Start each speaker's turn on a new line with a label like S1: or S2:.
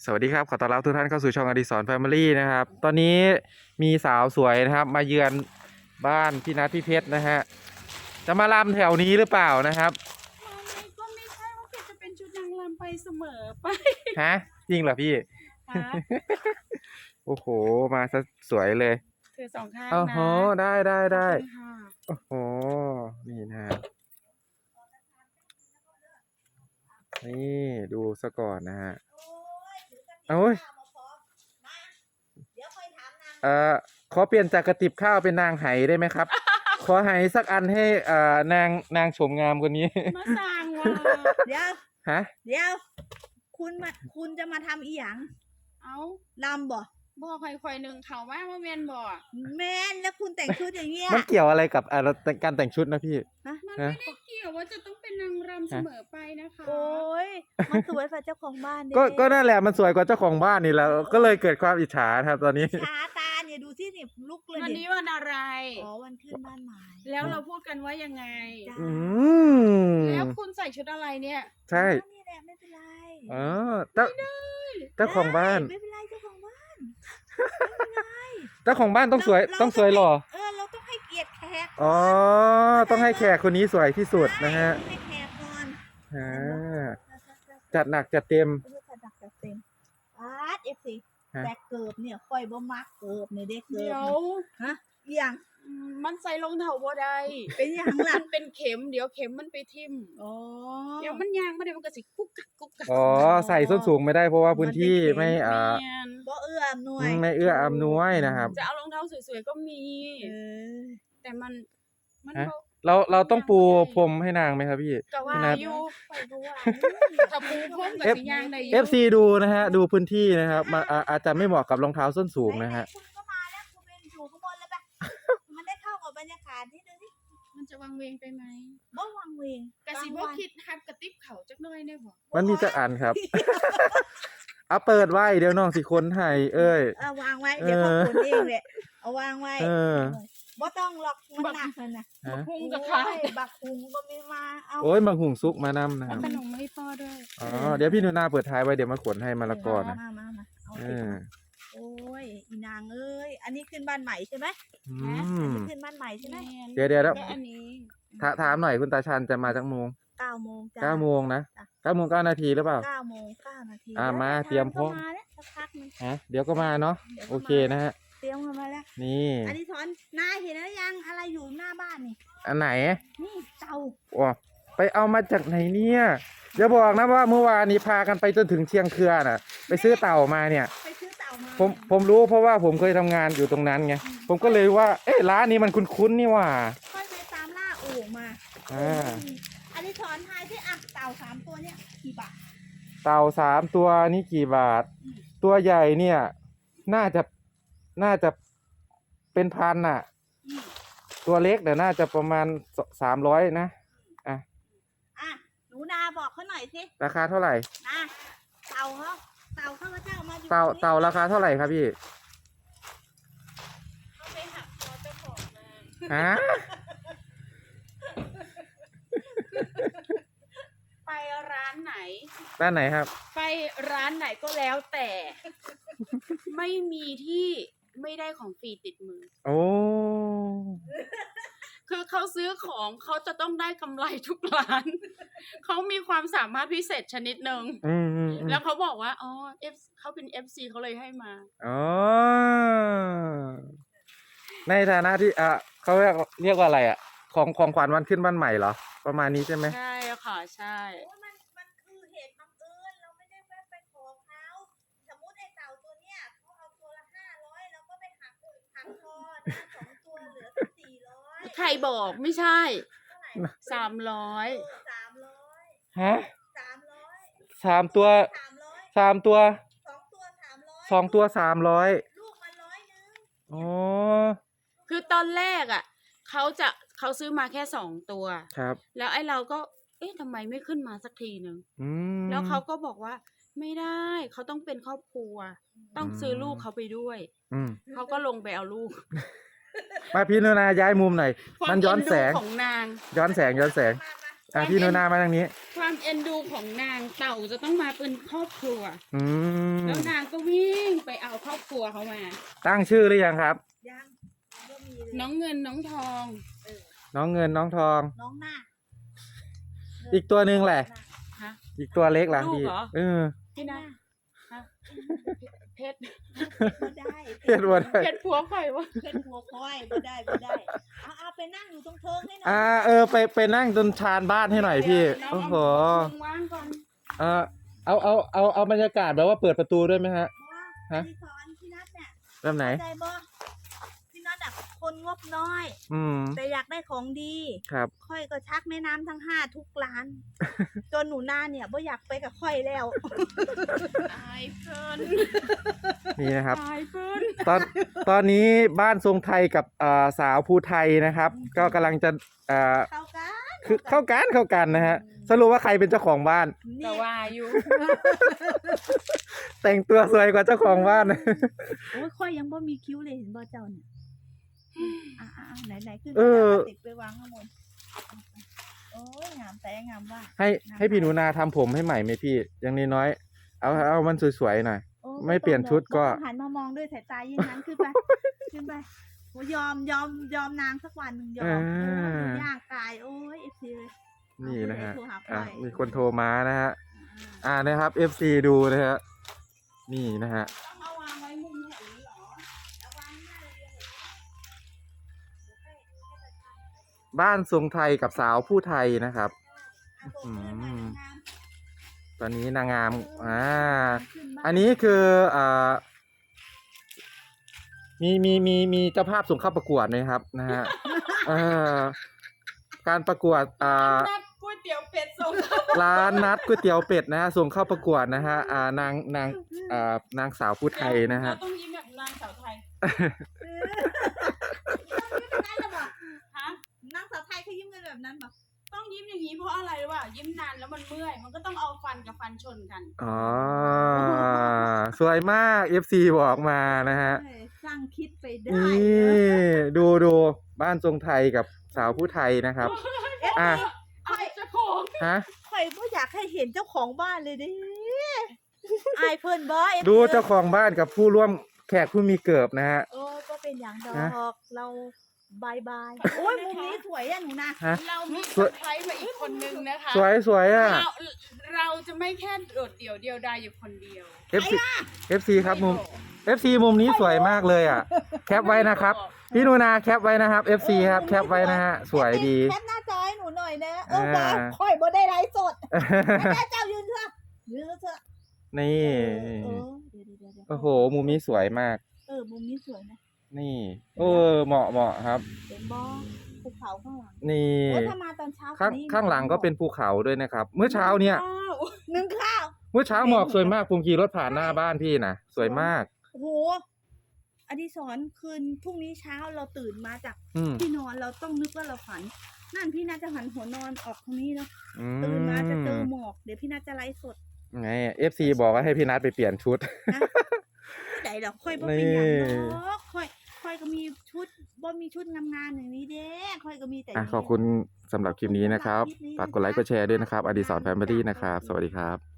S1: สวัสดีครับขอต้อนรับทุกท่านเข้าสู่ช่องอดิศรแฟมิลี่นะครับตอนนี้มีสาวสวยนะครับมาเยือนบ้านพี่นัทพี่เพชรนะฮะจะมาลำแถวนี้หรือเปล่านะครับ
S2: มันก็ไม่ใช่ว่าแกจะเป็นชุดนางรำไปเสมอไป
S1: ฮะจริงเหรอพี่
S2: ฮะ
S1: โอ้โหมาซะสวยเลย
S2: ถือสองข้าง
S1: โอ้
S2: นะ
S1: โหได้
S2: ขอบคุณค่ะ
S1: โอ้โหนี่นะฮะนี่ดูซะก่อนนะฮะโอ้ยขอเปลี่ยนจากกระติบข้าวเป็นนางไหได้ไหมครับ ขอไหสักอันให้นางโฉมงามคนนี้
S2: มาสั่งว่ะ
S3: เดี๋ยว
S1: ฮะ
S3: เดี๋ยว คุณจะมาทำอีหยัง
S2: เอา
S3: ลำบ่
S2: บอกค่อยๆหนึ่งเขาว่าเมียนบอก
S3: แม่นแล้วคุณแต่งชุดอย่างเงี้ย
S1: มันเกี่ยวอะไรกับการแต่งชุดนะพี่
S3: ฮะ
S2: มันไม่ได้เกี่ยวว่าจะต้องเป็นนางรำเสมอไปนะคะ
S3: โอ้ยมันสวยฝ่าเจ้าของบ้านเด้
S1: ก็นั่นแหละมันสวยกว่าเจ้าของบ้านนี่แหล้วก็เลยเกิดความอิจฉาครับตอนนี้
S3: ชาตาเนี่ยดูสิเนี่ยลุกเลย
S2: วัน
S3: เนี่
S2: นี้
S3: ย
S2: วันอะไร
S3: อ๋อวันขึ้นบ้านใหม่
S2: แล้วเราพูดกันว่ายังไง
S3: จ้า
S1: อืม
S2: แล้วคุณใส่ชุดอะไรเนี่ย
S1: ใช่
S3: นี่แหละไม่เป็นไร
S1: อ๋อเจ้าของบ้าน
S3: ไม่เป็นไรเจ้าของบ้าน
S1: เจ้าของบ้านต้องสวย
S3: เรา
S1: ต้องสวยหล่อ
S3: เราต้องให้เกียรติแขก
S1: อ๋อต้องให้แขกคนนี้สวยที่สุดนะฮะ
S3: ให้แขกก่อน
S1: อ่าจัดหนักจัดเต็ม
S3: จัดหนักจัดเต็มอาร์ตFC
S1: ฮะ
S3: แต่เกิบเนี่ยค่อยบ่มักเกิบเนี่ยเด็กเกิ
S2: เดี๋
S3: บ
S2: ยว
S3: ฮะอหย่าง
S2: มันใส่รองเท้าบ่ได้
S3: เป็นอหย่างล่ะ
S2: มันเป็นเข็มเดี๋ยวเข็มมันไปทิ่ม
S3: อ๋อ
S2: เดี๋ยวมันยางมาเดี๋ยวมันก็สิกุ๊กกักกุ๊กกัก
S1: อ๋อใส่ส้นสูงไม่ได้เพราะว่าพื้นที่ไม่
S2: เมียน
S3: บ่เอื้ออำนวย
S1: ไม่เอื้ออำนวยนะครับ
S2: จะเอารองเท้าสวยๆก็มี
S3: เออ
S2: แต่มัน
S1: ฮะ
S2: ก็
S1: เราต้องปูพรมให้นางไหมครับพี่
S2: ก็ว่า
S1: พี่นัท
S2: อยู่
S3: ไปดูว่า
S2: ถ้าปูพรมกับ
S1: F
S2: สียางได้อยู่
S1: FC ดูนะฮะดูพื้นที่นะครับอาจจะไม่เหมาะกับรองเท้าส้นสูงนะฮะ
S3: คุณก็มาแล้วคุณเป็นอยู่ข้างบนแล้วปะมันได้เข้ากับบรรยากาศที่นึงนี่
S2: มันจะวังเวงไปไหม
S3: บ่วังเวง
S2: กะสิบ่คิดฮับกระติบเขาจักหน่อยได้บ่
S1: มันมีจักอันครับ เอาเปิดไว้เดี๋ยวน้องสิคนให้เอ้ย
S3: วางไว้เดี๋ยวเขาขนเองแหละเอาวางไว้
S1: เออ
S3: บ่ต้องหรอกมันหนักเลยนะ
S1: ฮะ
S2: พุงกับขา
S3: โอ้ยบักหุงก็ไม่มาเอา
S1: โอ้ยมังหุงซุกมานำนะค
S2: เอา
S1: รับ
S2: ขนมมาให้พ่อด้วย
S1: อ๋อเดี๋ยวพี่หนูนาเปิดท้ายไว้เดี๋ยวมาขนให้มะละกอนะ
S3: มาเอา
S1: เอ
S3: สิ
S1: อ
S3: โอ้ยอีนางเอ้ยอันนี้ขึ้นบ้านใหม่ใช่ไหม
S1: อืม
S3: ขึ้นบ้านใหม่ใช่ไหม
S1: เดี๋ยว
S2: แล้วอันนี้
S1: ถามหน่อยคุณตาชันจะมาจักโมง
S3: 9 โมงจ้า
S1: 9 โมงนะ9 โมง 9 นาทีหรือเปล่า
S3: 9 โมง 9 นาที
S1: มา
S3: แล้ว
S1: เตรียมพร้อม
S3: ก็มาแล้วสักพักนึง
S1: ฮะเดี๋ยวก็มาเนาะ
S3: ดี๋ยว
S1: โอ
S3: ก็
S1: เคนะฮะ
S3: เตรียมกันมาแล้ว
S1: นี่
S3: อันนี้ถอนนายเห็นแล้วยังอะไรอยู่หน้าบ้านนี่
S1: อันไหน
S3: นี่เตา
S1: ว้าไปเอามาจากไหนเนี่ยอย่าบอกนะว่าเมื่อวานนี้พากันไปจนถึงเชียงเคือน่ะ ไปซื้อเต่ามาเนี่ย
S3: ไปซื้อเตามา
S1: ผมรู้เพราะว่าผมเคยทำงานอยู่ตรงนั้นไงผมก็เลยว่าเอ๊ะร้านนี้มันคุ้นๆนี่หว่า
S3: ค่อยไปตามล่าโอ่งมา
S1: อ่า
S3: อันนี้ถอนทายที่อ่ะเต่า3 ตัวเนี่ยกี่บาท
S1: เต่า3 ตัวนี่กี่บาท ตัวใหญ่เนี่ย น่าจะเป็นพันน่ะ ตัวเล็กเดี๋ยวน่าจะประมาณ300นะอ่ะ
S3: อ่ะหนูนาบอกเขาหน่อยสิ
S1: ราคาเท่าไหร่
S3: นะเต่าข้าพเจ้ามาอยู่
S1: เต่า
S3: ตรงนี้
S1: เต่าราคาเท่าไหร่ครับพี่
S2: เอาไปหักคอเจ้าของมา
S1: ฮะ
S2: ไปร้านไหน
S1: ด้านไหนครับ
S2: ไปร้านไหนก็แล้วแต่ ไม่มีที่ไม่ได้ของฟรีติดมือ
S1: โอ้
S2: คือเขาซื้อของเขาจะต้องได้กำไรทุกร้าน เขามีความสามารถพิเศษชนิดหนึ่ง
S1: อืม
S2: แล้วเขาบอกว่าอ๋อเขาเป็น FC เขาเลยให้มา
S1: อ๋อในฐานะที่เขาเรียกว่าอะไรอ่ะของขวัญวันขึ้นบ้านใหม่เหรอประมาณนี้ใช่ไหม
S2: ใช่ค่ะใช่
S3: โอ้ยมันคือเหตุบังเอิญเราไม่ได้ไปขอเขาสมมติไอ้เต่าตัวเนี้ยเขาเอาตัวละ500เราก็ไปหักคอนะ2 ตัวเหลือ400
S2: ใครบอกไม่ใช่
S3: เท่าไหร่
S2: 300
S3: 300
S1: ฮะ
S3: 300
S1: 3 ตัว
S3: 300
S1: 3 ตัว
S3: 2 ตัว 300
S1: 2 ตัว300
S3: ลูกมัน100
S1: อ๋อ
S2: คือตอนแรกอ่ะเขาซื้อมาแค่2 ตัว
S1: ครับ
S2: แล้วไอ้เราก็เอ๊ะทำไมไม่ขึ้นมาสักทีหนึ่ง
S1: อืม
S2: แล้วเขาก็บอกว่าไม่ได้เขาต้องเป็นครอบครัว ต้องซื้อลูกเขาไปด้วย
S1: อืม
S2: เขาก็ลงไปเอาลูก
S1: มาพี่นุนาย้ายมุมหน่อย
S2: ความ
S1: มันย้อนแสง
S2: เดูของนาง
S1: ย้อนแสง
S3: มา
S1: พี่นุนามาทางนี้
S2: ความเอ็นดูของนางเต่าจะต้องมาเป็นครอบครัว
S1: อืม
S2: แล้วนางก็วิ่งไปเอาครอบครัวเขามา
S1: ตั้งชื่อหรือยังครับ
S3: ยังก็มีเลย
S2: น้องเงินน้องทอง
S1: น้องเงินน้องทอง
S3: น้องหน้า
S1: อีกตัวหนึ่งแหละ
S2: ฮะ
S1: อีกตัวเล็กล่ะ
S2: ลูก
S1: พี่
S2: เหรอ พี่นะฮะเพชร
S3: บ่ได้
S1: เห็นว่าได้
S2: เพชรผัวใครวะ
S3: เพชรหัวควายบ่ได้บ่ได้เอาไปนั่งอยู่ตรงเทิงให้หน่อย
S1: ไปนั่งจนชานบ้านให้หน่อยพี่
S2: น้ง
S1: โอ้โห
S2: เอาวางก่อน
S1: เอาบรรยากาศแบบว่าเปิดประตูด้วยไหมฮะ ฮะ
S3: ที่สอนพี่นัทเนี่ย
S1: แบบไหน
S3: ใจบ่พี่นัทอะคนงบน้อย
S1: อืม
S3: แต่อยากได้ของดี
S1: ครับ
S3: ค่อยก็ชักแม่น้ำทั้งห้าทุกร้าน จนหนูนาเนี่ยบ่อยากไปกับค่อยแล้ว
S2: ตายเพิ่น
S1: นี่นะครับ
S2: ตายเพิ่น
S1: ตอนนี้บ้านทรงไทยกับสาวภูไทยนะครับ ก็กำลังจะ
S3: เข้ากัน
S1: คือเข้ากันนะฮะ สรุปว่าใครเป็นเจ้าของบ้าน
S2: แต่
S3: นี่
S2: ว่าอยู่
S1: แต่งตัวสวยกว่าเจ้าของบ้าน
S3: โอ้ยค่อยยังบ่มีคิ้วเลยเห็นบ่เจ้าเนี่ยไหนขึ้น
S1: เออ
S3: ติดไปวางข้างบนโอ้ยงามแต่งามว่า
S1: ให้พี่หนูนาทำผมให้ใหม่ไหมพี่อย่างน้อยๆเอามันสวยๆหน่อย
S3: โอ้
S1: ไม่เปลี่ยนชุดก็
S3: บ่ต้องหันมามองด้วยสายตายิ่งนั้นขึ้นไปขึ้นไปโอ้ยอมนางสักวันหนึ่งยอม
S1: อ่า
S3: ดูย่างกายโอ้ยเอฟซีเลย
S1: นี่นะฮะ
S3: โทรหาพ่อย
S1: มีคนโทรมานะฮะ นะครับ FC ดูนะฮะ นี่นะฮะ
S2: ต้องเอาวางไว้มุมแถวนี้เหรอ
S3: เอาวางหน้าเลย
S1: บ้านทรงไทยกับสาวผู้ไทยนะครับ
S3: อืม
S1: ตอนนี้นางงาม อันนี้คือมีเจ้าภาพส่งเข้าประกวดไหมครับนะฮะ การประกวด
S2: นัดก๋วยเตี๋ยวเป็ดส่ง
S1: ร้านนัดก๋วยเตี๋ยวเป็ดนะฮะส่งเข้าประกวดนะฮะนางสาวผู้ไทยนะฮะ
S2: เราต้องยิ้มแบบนางสาวไทย ฮะ
S3: นางสาวไทยเขายิ้มกันแบบนั้นปะ
S2: ต้องยิ้มอย่างนี้เพราะอะไรรู้ป่ะยิ้มนานแล้วมันเมื่อย มันก็ต้องเอาฟันกับฟันชนกัน
S1: อ๋อ สวยมาก FC บอกมานะฮะ
S3: สร้างคิดไปได้
S1: นี่ดูบ้านทรงไทยกับสาวผู้ไทยนะครับ อ่ะ
S2: เอาเจ้าของ
S1: ฮะ
S3: ข่อยก็อยากให้เห็นเจ้าของบ้านเลยดิอายเพิ่นบ่
S1: ดูเจ้าของบ้านกับผู้ร่วมแขกผู้มีเกิบนะฮะ
S3: ก็เป็นอย่างดอ
S1: ฮะ
S3: กเราบายโอ้ยมุมนี้สวยอะหนูนะ
S1: ฮะ
S2: เรามีเซอร์ไพรส์มาอีกคนนึงนะคะ
S1: สวยอ่ะ
S2: เราจะไม่แค่โดดเดี่ยวเดียวดายอยู่คนเดียว
S1: FC ครับFC มุมนี้สวยมากเลยอ่ะ แคปไว้นะครับ พี่นูนาแคปไว้นะครับ FC ครับแคปไว้นะฮะ สวยดี
S3: แคปหน้าจอให้หนูหน่อยนะ
S1: อ่า
S3: ว่าข่อยบ่ได้ไลฟ์สดแม่เจ้ายืนเถอะ
S1: นี่
S3: เดี๋ยว
S1: โอ้โห มุมนี้สวยมาก
S3: มุมนี้สวยนะ
S1: นี่เหมาะครับ
S3: เป็นบ่ภูเขาข้างหลัง
S1: นี่
S3: โอ้ถ้ามาตอนเช้า
S1: ข้างหลังก็เป็นภูเขาด้วยนะครับ เมื่อเช้าเนี่ย
S3: นึ่งข้าว
S1: เมื่อเช้าหมอกสวยมากผมขี่รถผ่านหน้าบ้านพี่นะสวยมาก
S3: โอ้โหอดิศรคืนพรุ่งนี้เช้าเราตื่นมาจาก
S1: อืม
S3: ที่นอนเราต้องนึกว่าเราฝัน นั่นพี่น่าจะหันหัวนอนออกตรงนี้เนาะ
S1: อื
S3: ตื่นมาจะเจอหมอกเดี๋ยวพี่น่าจะไลฟ์สด
S1: ไง FC บอกว่าให้พี่นัทไปเปลี่ยนชุด
S3: ที่ไหนเราค่อยบ่เป็นอย่างเนาะค่อยก็มีชุดบ่มีชุดงามๆอย่างนี้เด้ค่อยก็มีแต่
S1: ขอบคุณสำหรับคลิปนี้นะครับ ฝากกดไลค์กดแชร์ด้วยนะครับ อดิศรแฟมิลี่นะครับ สวัสดีครับ